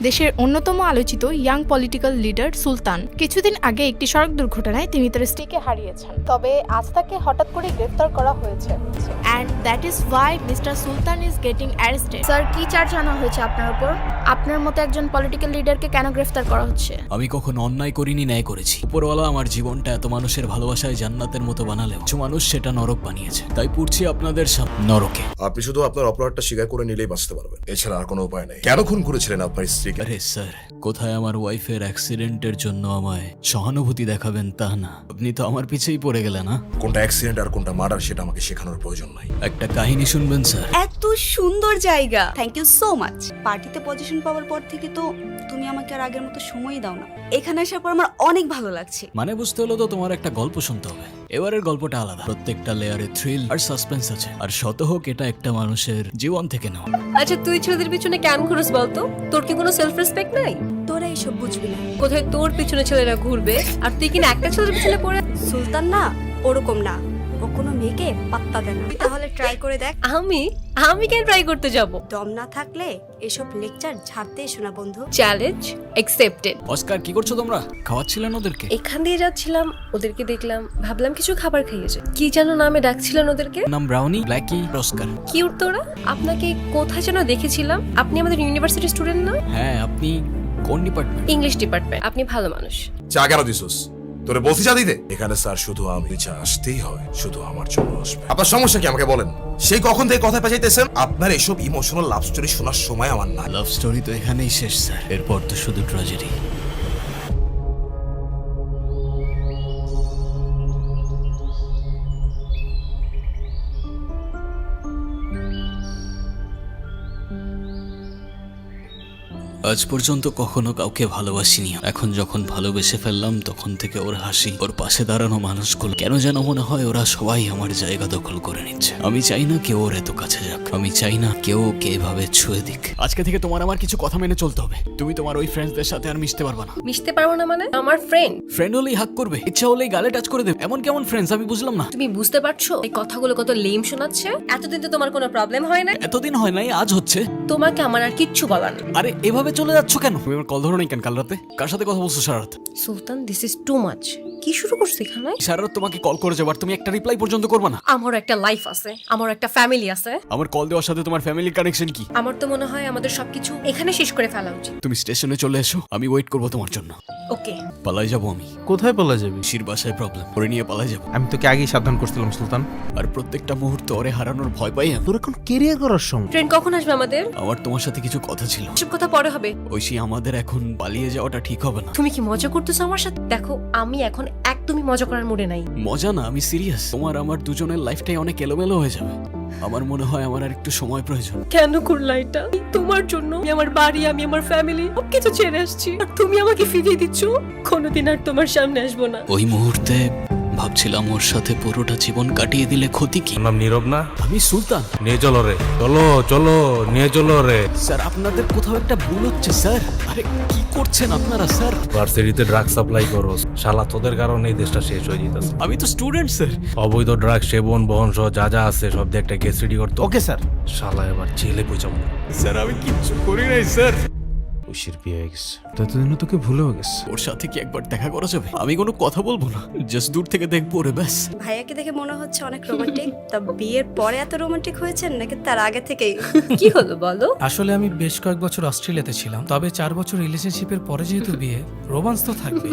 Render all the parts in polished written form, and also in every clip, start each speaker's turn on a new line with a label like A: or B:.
A: দেশের অন্যতম আলোচিত ইয়াং পলিটিক্যাল লিডার সুলতান কিছুদিন আগে একটি সড়ক দুর্ঘটনায় তিনি তার স্ত্রীকে হারিয়েছেন। তবে আজ তাকে হঠাৎ করে গ্রেফতার করা হয়েছে। And that is why mister Sultan is getting arrested. Sir, কি চার্জ আনা হয়েছে আপনার উপর? আপনার মতো একজন পলিটিক্যাল লিডারকে কেন গ্রেফতার করা হচ্ছে?
B: আমি কখনো অন্যায় করিনি, ন্যায় করেছি। উপরওয়ালা আমার জীবনটা এত মানুষের ভালোবাসায় জান্নাতের মতো বানালেও কিছু মানুষ সেটা নরক বানিয়েছে। তাই পড়ছি আপনাদের নরকে।
C: আপনি শুধু আপনার অপরাধটা স্বীকার করে নিলেই বাঁচতে পারবেন, এছাড়া আর কোনো উপায় নেই। কেন খুন করেছিলেন আপনার স্ত্রীকে?
B: আরে স্যার, কোথায় আমার ওয়াইফের অ্যাক্সিডেন্টের জন্য আমায় সহানুভূতি দেখাবেন তা না, আপনি তো আমার পিছেই পড়ে গেলেন। না,
C: কোনটা অ্যাক্সিডেন্ট আর কোনটা মার্ডার সেটা আমাকে শেখানোর প্রয়োজন নাই।
B: একটা কাহিনী শুনবেন স্যার?
D: এত সুন্দর জায়গা, থ্যাংক ইউ সো মাচ। পার্টিতে পজিশন পাওয়ার পর থেকে তো তুমি আমাকে আর আগের মতো সময়ই দাও না। এখানে আসার পর আমার অনেক ভালো লাগছে।
B: মানে বুঝতে হলো তো তোমার একটা গল্প শুনতে হবে। এবারের গল্পটা আলাদা, প্রত্যেকটা লেয়ারে থ্রিল আর সাসপেন্স আছে। আর শত হোক এটা একটা মানুষের জীবন থেকে নেওয়া।
E: আচ্ছা, তুই ছেলেদের পিছনে কেন ঘুরস বলতো? তোর কি কোনো সেলফ রেসপেক্ট নাই?
D: তোরা এইসব বুঝবি না।
E: কোথায় তোর পিছনে ছেলেরা ঘুরবে আর তুই কিনা একটা ছেলের পিছনে পড়ে?
D: সুলতান না ওরকম না, ও কোনো মেয়েকে পাত্তা দেয় না। তুই তাহলে ট্রাই করে দেখ।
E: আমি কেন ট্রাই করতে যাব?
D: দম না থাকলে এসব লেকচার ঝাড়তে এসো না বন্ধু।
E: Challenge accepted.
B: অস্কার, কি করছো তোমরা? খাওয়াচ্ছিলেন ওদেরকে?
E: এখান দিয়ে যাচ্ছিলাম, ওদেরকে দেখলাম, ভাবলাম কিছু খাবার খাইয়েছে। কি যেন নামে ডাকছিলেন ওদেরকে?
B: নাম ব্রাউনি, ব্ল্যাকি, অস্কার।
E: কিউট তোরা। আপনাকে কোথায় যেন দেখেছিলাম। আপনি আমাদের ইউনিভার্সিটি স্টুডেন্ট না?
B: হ্যাঁ, আপনি কোন ডিপার্টমেন্ট?
E: English department. আপনি ভালো মানুষ।
C: চা কেন দিছস? তোরে বলছি চা দিতে? এখানে স্যার শুধু আমি চা আসতেই হয়, শুধু আমার জন্য আসবে। আপনার সমস্যা কি আমাকে বলেন? সেই কখন থেকে কথা পেঁচাইতেছেন? আপনার এসব ইমোশনাল লাভ স্টোরি শোনার সময় আমার নাই।
B: লাভ স্টোরি তো এখানেই শেষ স্যার, এরপর তো শুধু ট্র্যাজেডি। আজ পর্যন্ত কখনো কাউকে ভালোবাসিনি। এখন যখন ভালোবেসে ফেললাম তখন থেকে ওর হাসি, ওর পাশে দাঁড়ানো মানুষগুলো কেন যেন মনে হয় ওরা সবাই আমার জায়গা দখল করে নিচ্ছে। আমি চাই না কেউ ওর এত কাছে যাক, আমি চাই না কেউ ওকে এভাবে ছুঁয়ে দিক। আজকে থেকে তোমার আমার কিছু কথা মেনে চলতে হবে। তুমি তোমার ওই ফ্রেন্ডসদের সাথে আর মিশতে পারবে না।
E: মিশতে পারবো না মানে? আমার ফ্রেন্ড।
B: ফ্রেন্ড হলেই হাক করবে, ইচ্ছা হলেই গালে টাচ করে দেবে। এমন কেমন ফ্রেন্ডস আমি বুঝলাম না।
E: তুমি বুঝতে পারছো এই কথাগুলো কত লেম শোনাচ্ছে? এতদিন তো তোমার কোনো প্রবলেম হয় না।
B: এতদিন হয় নাই, আজ হচ্ছে।
E: তোমাকে আমার আর কিচ্ছু বলার নেই।
B: আরে এভাবে চলে যাচ্ছ কেন? তুমি আমার কল ধরো নাই কেন কাল রাতে? কার সাথে কথা বলছো সারা রাত?
E: Sultan, this is too much. কি শুরু করছো এখানে?
B: সারা রাত তোমাকে কল করে যাবার, তুমি একটা রিপ্লাই পর্যন্ত করবে না।
E: আমার একটা লাইফ আছে, আমার একটা ফ্যামিলি আছে।
B: আমার কল দেওয়ার সাথে তোমার ফ্যামিলির কানেকশন কি?
E: আমার তো মনে হয় আমাদের সবকিছু এখানে শেষ করে ফেলা উচিত।
B: তুমি স্টেশনে চলে এসো, আমি ওয়েট করবো তোমার জন্য।
E: ওকে।
B: পালাই যাবো আমি।
F: কোথায় পালা যাবি?
B: শির বাসায় প্রবলেম, ওরে নিয়ে পালাই যাবো।
F: আমি তোকে আগেই সাবধান করছিলাম সুলতান।
B: আর প্রত্যেকটা মুহূর্ত ওরে হারানোর ভয় পাই আমি।
F: তোর এখন কেরিয়ার করার সময়।
E: ট্রেন কখন আসবে আমাদের?
B: আমার তোমার সাথে কিছু কথা ছিল।
E: সব কথা পরে হবে।
B: ঐশী, আমাদের এখন পালিয়ে যাওয়াটা ঠিক হবে না।
E: তুমি কি মজা করতেছো আমার সাথে? দেখো, আমি এখন একদমই মজা করার মুডে নাই।
B: মজা না, আমি সিরিয়াস। তোমার আমার দুজনের লাইফটাই অনেক এলোমেলো হয়ে যাবে। আমার মনে হয় আমার আর একটু সময় প্রয়োজন।
E: কেন করলা এটা? তোমার জন্য আমি আমার বাড়ি, আমি আমার ফ্যামিলি সবকিছু ছেড়ে আসছি, আর তুমি আমাকে ফিরিয়ে দিচ্ছ। কোনোদিন আর তোমার সামনে আসবো না।
B: ওই মুহূর্তে ভাবছিলাম ওর সাথে পুরোটা জীবন কাটিয়ে দিলে ক্ষতি কি।
G: নাম নীরব না?
B: আমি সুলতান।
G: নিয়ে চলো রে, চলো চলো, নিয়ে চলো রে।
B: স্যার, আপনাদের কোথাও একটা ভুল হচ্ছে স্যার। আরে কি করছেন আপনারা স্যার?
G: ভার্সিটিতে ড্রাগ সাপ্লাই করো, শালা তোদের কারণে এই দেশটা শেষ হয়ে যেতেছে।
B: আমি তো স্টুডেন্ট স্যার।
G: অবৈধ ড্রাগ সেবন বহন সহ যা যা আছে সব দিয়ে একটা কেস রেডি করতো।
F: Okay sir.
G: শালা এবার জেলে পৌঁছাবো।
B: স্যার, আমি কিচ্ছু করি নাই স্যার।
F: ঐশীর বিয়ে হয়ে গেছে, ততদিনও তোকে ভুলেও গেছে।
B: ওর সাথে কি একবার দেখা করা যাবে? আমি কোনো কথা বলবো না, জাস্ট দূর থেকে দেখবো রে ব্যাস।
D: ভাইয়াকে দেখে মনে হচ্ছে অনেক রোমান্টিক। তা বিয়ের পরে এত রোমান্টিক হয়েছেন নাকি তার আগে থেকেই?
E: কি হলো বলো?
H: আসলে আমি বেশ কয়েক বছর অস্ট্রেলিয়াতে ছিলাম, তবে 4 বছর রিলেশনশিপের পরে যেহেতু বিয়ে, রোমান্স তো থাকবে।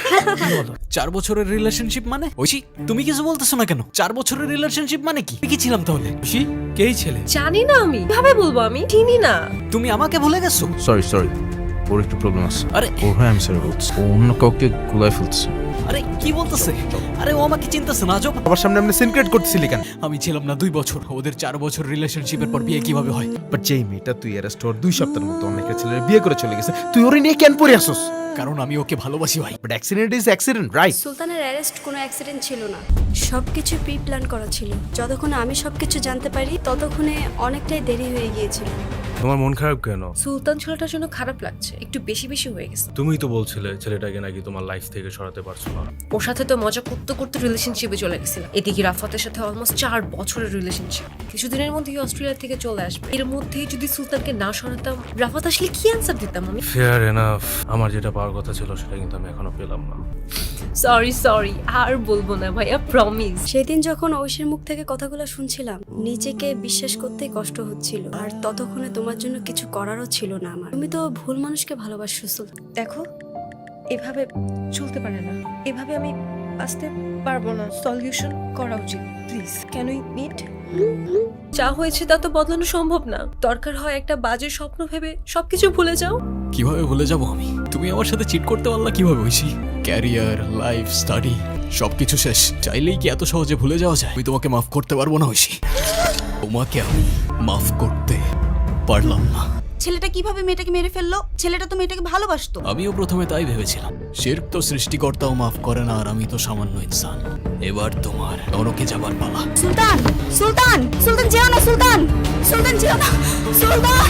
B: 4 বছরের রিলেশনশিপ মানে? ঐশী, তুমি কিছু বলতেছো না কেন? 4 বছরের রিলেশনশিপ মানে কি? কি ছিলাম তাহলে?
H: খুশি কেই ছেলে?
E: জানি না, আমি কিভাবে বলবো? আমি চিনি না।
B: তুমি আমাকে ভুলে গেছো?
F: সরি, ওর একটু প্রবলেম আছে।
B: আরে
F: ওর হয়ে আমি সরি বলছি। ও অন্য কাউকে গুলাই ফেলছে।
B: আরে কি বলতেছে? আরে ও আমাকে চিন্তাছে না আজব।
F: আবার সামনে আপনি সিনক্রেট করতেছিলি কেন?
B: আমি ছিলাম না 2 বছর, ওদের 4 বছর রিলেশনশিপের পর বিয়ে কিভাবে হয়?
F: বাট যেই মেয়েটা তুই অ্যারেস্ট হওয়ার 2 সপ্তাহের মতো অনেক ছেলের বিয়ে করে চলে গেছে, তুই ওরে নিয়ে কেন পড়ে আসছস?
B: কারণ আমি ওকে ভালোবাসি ভাই।
F: But accident is accident, right?
D: সুলতানের অ্যারেস্ট কোনো অ্যাক্সিডেন্ট ছিল না, সবকিছু প্রি প্ল্যান করা ছিল। যতক্ষণ আমি সবকিছু জানতে পারি ততক্ষণে অনেকটাই দেরি হয়ে গিয়েছিল।
G: তোমার মন খারাপ কেন?
E: সুলতান ছেলেটার জন্য খারাপ লাগছে, একটু বেশি বেশি হয়ে গেছে।
G: তুমিই তো বলছিলে ছেলেটাকে নাকি তোমার লাইফ থেকে সরাতে পারছো না।
E: ওর সাথে তো মজা করতে করতে রিলেশনশিপে চলে গেছিলাম। এদিকে রাফাতের সাথে অলমোস্ট 4 বছরের রিলেশনশিপ। কিছুদিনের মধ্যেই অস্ট্রেলিয়া থেকে চলে আসবে। এর মধ্যেই যদি সুলতানকে না সরাতাম, রাফাত আসলে কি অ্যান্সার দিতাম আমি?
G: Fair enough. আমার যেটা পাওয়ার কথা ছিল সেটা কিন্তু আমি এখনো পেলাম না।
E: সরি, আর বলবো না ভাইয়া, প্রমিস।
D: সেদিন যখন ঐশীর মুখ থেকে কথাগুলো শুনছিলাম, নিজেকে বিশ্বাস করতেই কষ্ট হচ্ছিল। আর ততক্ষণে তোমার জন্য কিছু করারও ছিল না আমার। তুমি তো ভুল মানুষকে ভালোবাসছো সুলতান।
E: দেখো, এভাবে চলতে পারে না, এভাবে আমি আসতে পারবো না। সলিউশন করা উচিত, প্লিজ। Can we meet? যা হয়েছে তা তো বদলানো সম্ভব না। দরকার হয় একটা বাজে স্বপ্ন ভেবে সবকিছু ভুলে যাও।
B: কিভাবে ভুলে যাব আমি? তুমি আমার সাথে চিট করতে পারলা কিভাবে ঐশী? ক্যারিয়ার, লাইফ, স্টাডি সবকিছু শেষ। চাইলেই কি এত সহজে ভুলে যাওয়া যায়? আমি তোমাকে মাফ করতে পারবো না ঐশী। তোমাকে আমি মাফ করতে পারলাম না।
D: ছেলেটা কিভাবে মেয়েটাকে মেরে ফেললো? ছেলেটা তো মেয়েটাকে ভালোবাসতো।
B: আমিও প্রথমে তাই ভেবেছিলাম। শিরক তো সৃষ্টিকর্তাও মাফ করে না, আর আমি তো সামান্য ইনসান। এবার তোমার নরকে যাবার পালা।
D: সুলতান, সুলতান, সুলতান যেও না, সুলতান, সুলতান যেও না, সুলতান।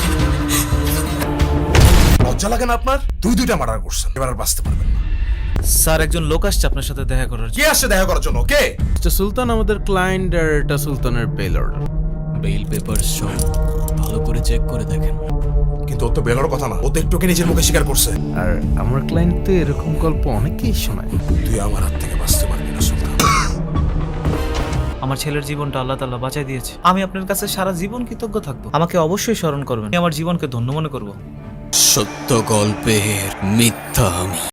C: লজ্জা লাগে না আপনার? দুইটা মার্ডার করছেন, এবার আর বাঁচতে পারবেন না।
I: স্যার, একজন লোক আসছে আপনার সাথে দেখা করার জন্য।
C: কে আসছে দেখা করার জন্য? কে?
F: মিস্টার সুলতান আমাদের ক্লায়েন্ট, আর এটা সুলতানের বেল অর্ডার।
B: বেইল পেপারস সব ভালো করে চেক করে দেখেন।
C: কিন্তু ওর তো বেলার কথা না, ও তো একটুকে নিজের মুখে স্বীকার করছে।
F: আর আমার ক্লায়েন্ট তো এরকম গল্প অনেকেই শোনায়।
C: তুই আমার হাত থেকে বাঁচতে পারবি না সুলতান।
I: আমার ছেলের জীবনটা আল্লাহ তাআলা বাঁচাই দিয়েছে। আমি আপনার কাছে সারা জীবন কৃতজ্ঞ থাকবো। আমাকে অবশ্যই স্মরণ করবেন। আমি আমার জীবনকে ধন্য মনে করব।
B: সত্য গল্পের মিথ্যা আমি।